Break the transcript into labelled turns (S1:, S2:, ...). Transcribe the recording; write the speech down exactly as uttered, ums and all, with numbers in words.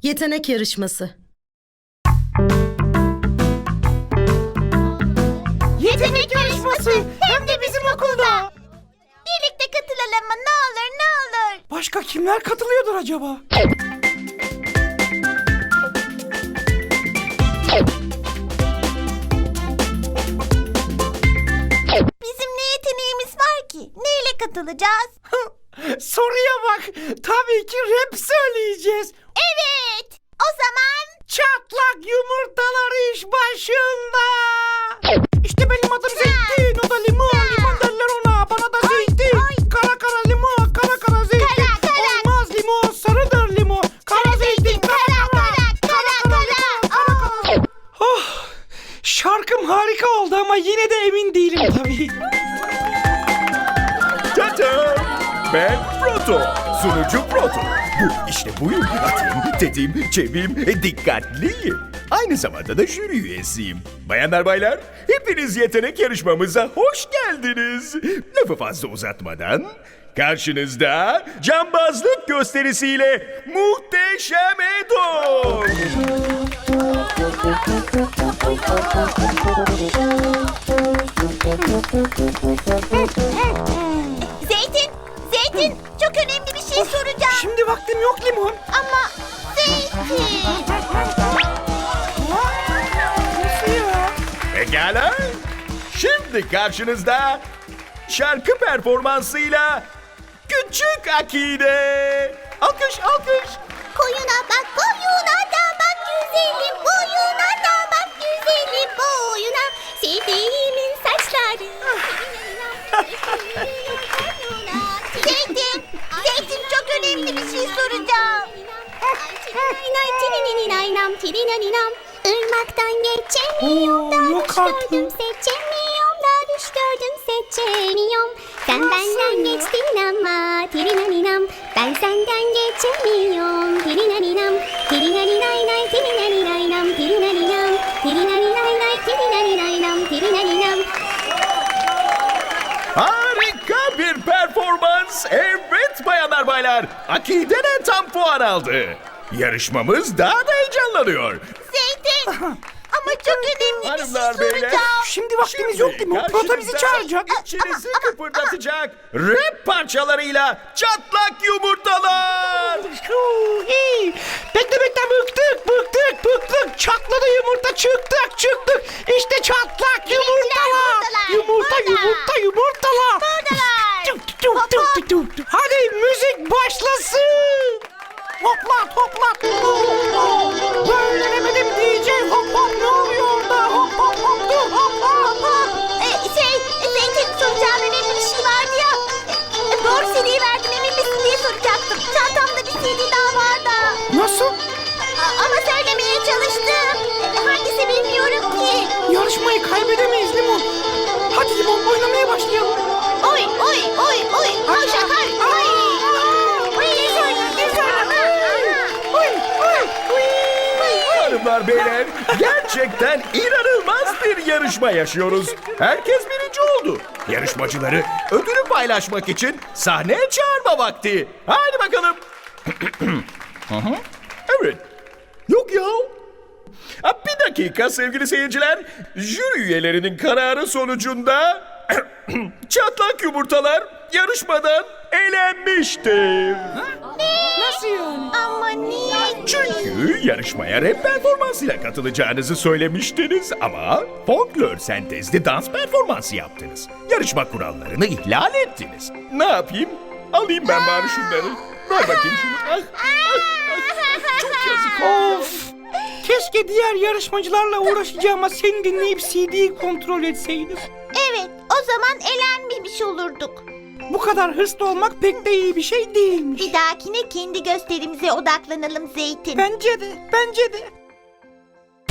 S1: Yetenek yarışması.
S2: Yetenek yarışması hem de bizim okulda.
S3: Birlikte katılalım mı? Ne olur ne olur.
S2: Başka kimler katılıyordur acaba?
S3: Bizim ne yeteneğimiz var ki? Neyle katılacağız?
S2: Soruya bak. Tabii ki rap söyleyeceğiz.
S3: Evet. O zaman
S2: Çatlak yumurtalar iş başında. İşte benim adım Zeytin, o da limon. Limon derler ona, bana da zeytin. Kara kara limon, kara kara zeytin.
S3: Kara, kara.
S2: Olmaz limon, sarıdır limon. Kara zeytin, kara kara.
S3: kara kara. Aa.
S2: Oh, şarkım harika oldu ama yine de emin değilim tabii.
S4: Tata! Ben Proto, sunucu Proto. Bu işte buyum. Atayım, tetiğim, çeviyim, e, dikkatliyim. Aynı zamanda da jüri üyesiyim. Bayanlar baylar, hepiniz yetenek yarışmamıza hoş geldiniz. Lafı fazla uzatmadan, karşınızda cambazlık gösterisiyle muhteşem Edo.
S3: Zeytin, Zeytin çok önemli bir şey soracağım.
S2: Şimdi vaktim yok limon.
S3: Ama Zeytin.
S2: Nasıl ya?
S4: Pekala. Şimdi karşınızda şarkı performansıyla Küçük Akide. Alkış, alkış.
S3: Koyuna bak, koyuna da bak güzelim. Boyuna da bak güzelim. Boyuna sevdiğimin saçları. Zeytin, Zeytin çok önemli bir şey soracağım. Irmaktan geçemiyorum da
S2: Oo, yok
S3: düş
S2: artık.
S3: gördüm seçemiyorum da düş gördüm seçemiyorum. Sen benden geçtin ama tirinaninam. Ben senden geçemiyorum tirinaninam. Tirinaninay tirinaninam tirinaninam. Tirinaninay tirinaninam tirinaninam.
S4: Harika bir performans. Evet bayanlar baylar. Akide'den tam puan aldı. Yarışmamız daha da heyecanlanıyor.
S3: Zeytin ama çok önemli bir şey
S4: Hanımlar beyler.
S3: soracağım.
S2: Şimdi vaktimiz yok limon. Proto bizi çağıracak.
S4: İçinizi kıpırdatacak rap parçalarıyla çatlak yumurtalar.
S2: Huu, iyi. Bekle bekle bıktık bıktık bıktık. Çatladı yumurta çıktık çıktık. İşte çatlak yumurtalar.
S3: yumurtalar,
S2: Yumurta
S3: burada.
S2: yumurta yumurtalar.
S3: Buradalar.
S2: Tuk, tuk, tuk, tuk, tuk, tuk. Hadi müzik başlasın. Hoplat hoplat. Böyle demedim D J hop hop ne oluyor orada? Hop hop hop dur hop hop hop.
S3: Ee, şey, Zeytin soracağım önemli bir şey vardı ya. Ee, doğru C D'yi verdim emin misin diye soracaktım. Çantamda bir C D daha var da.
S2: Nasıl?
S3: A- ama söylemeye çalıştım. Ee, hangisi bilmiyorum ki.
S2: Yarışmayı kaybedemeyiz Limon. Hadi Limon oynamaya başlayalım.
S3: Oy oy oy oy. Koş akar. Oy. Oy.
S2: Oy oy oy.
S4: Hanımlar beyler gerçekten inanılmaz bir yarışma yaşıyoruz. Herkes birinci oldu. Yarışmacıları ödülü paylaşmak için sahneye çağırma vakti. Hadi bakalım. Hı hı. Evet. Yok ya. Ha, bir dakika sevgili seyirciler. Jüri üyelerinin kararı sonucunda çatlak yumurtalar yarışmadan elenmiştir.
S2: Nasıl yani?
S3: Ama niye?
S4: Çünkü yarışmaya rap performansıyla katılacağınızı söylemiştiniz ama folklor sentezli dans performansı yaptınız. Yarışma kurallarını ihlal ettiniz. Ne yapayım? Alayım ben bari şunları. Ver bakayım şunu. Ah, ah, ah. Çok yazık.
S2: Of! Keşke diğer yarışmacılarla uğraşacağıma seni dinleyip C D'yi kontrol etseydim.
S3: Evet o zaman elenmemiş olurduk.
S2: Bu kadar hırslı olmak pek de iyi bir şey değilmiş.
S3: Bir dahakine kendi gösterimize odaklanalım Zeytin.
S2: Bence de, bence de.